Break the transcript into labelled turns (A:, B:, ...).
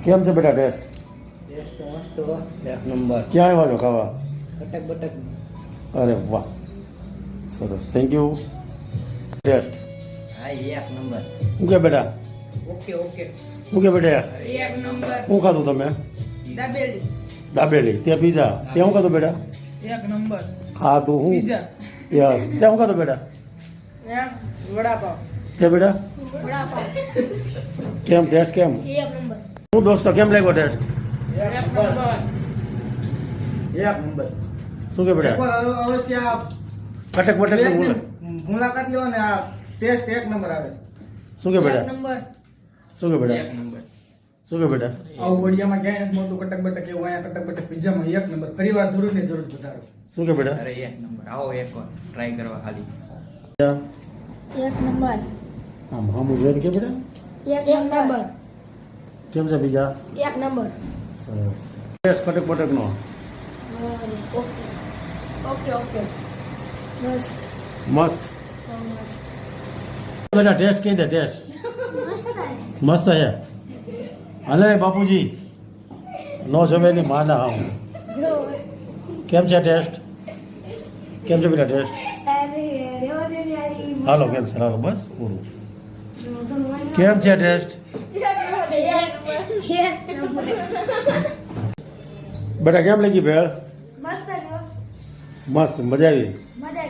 A: કેમ છે બેટા ટેસ્ટ?
B: ટેસ્ટ મસ્ત હો, એક નંબર.
A: ક્યાં આવ્યા છો ખાવા?
B: કટક બટક.
A: અરે વાહ, સરસ, થેન્ક યુ. ટેસ્ટ
B: હા એક નંબર.
A: શું કે બેટા?
B: Okay okay.
A: શું કે બેટા?
B: એક નંબર.
A: શું ખાધું તમે?
B: દાબેલી.
A: દાબેલી. તે પીઝા. તે શું ખાધું બેટા?
B: એક નંબર.
A: ખાધું હું?
B: પીઝા.
A: યસ. તે શું ખાધું બેટા?
B: એક વડાપાવ.
A: તે બેટા
C: વડાપાવ
A: કેમ ટેસ્ટ કેમ?
C: એક નંબર.
A: શું દોસ્તો કેમ લાગ્યો ટેસ્ટ?
B: એક નંબર.
D: એક નંબર.
A: શું કે બેટા?
D: એકવાર અવશ્ય આ
A: કટક બટક
D: પ્લેટની મુલાકાત લો ને આ ટેસ્ટ એક નંબર આવે છે.
A: શું કે
C: એક
A: બેટા?
C: નંબર.
A: શું કે બેટા?
B: એક નંબર.
A: શું કે બેટા?
E: આવું વડિયામાં ક્યાંય નથી મળતું કટક બટક એવું, અહીંયા કટક બટક પિઝામાં એક નંબર. ફરીવાર જરૂર ને જરૂર વધારો.
A: શું કે બેટા?
B: અરે એક નંબર. આવો એકવાર ટ્રાય કરવા ખાલી.
C: એક નંબર.
A: આમ હામું જોઈને કે બેટા
C: એક નંબર.
A: કેમ છે બીજા?
C: એક નંબર.
A: સરસ. ટેસ્ટ કટક બટક નો
C: ઓકે ઓકે ઓકે બસ
A: મસ્ત.
C: મસ્ત
A: બેટા ટેસ્ટ કહી દે. ટેસ્ટ મસ્ત છે. હલે બાપુજી નો જમે ની માના આમ. કેમ છે ટેસ્ટ? કેમ છે બેટા ટેસ્ટ? હાલો કેન્સર હાલો બસ પૂરું. કેમ છે ટેસ્ટ? બેટા કેમ લાગી ભેળ?
C: મસ્ત
A: મસ્ત મજા આવી.
C: મજા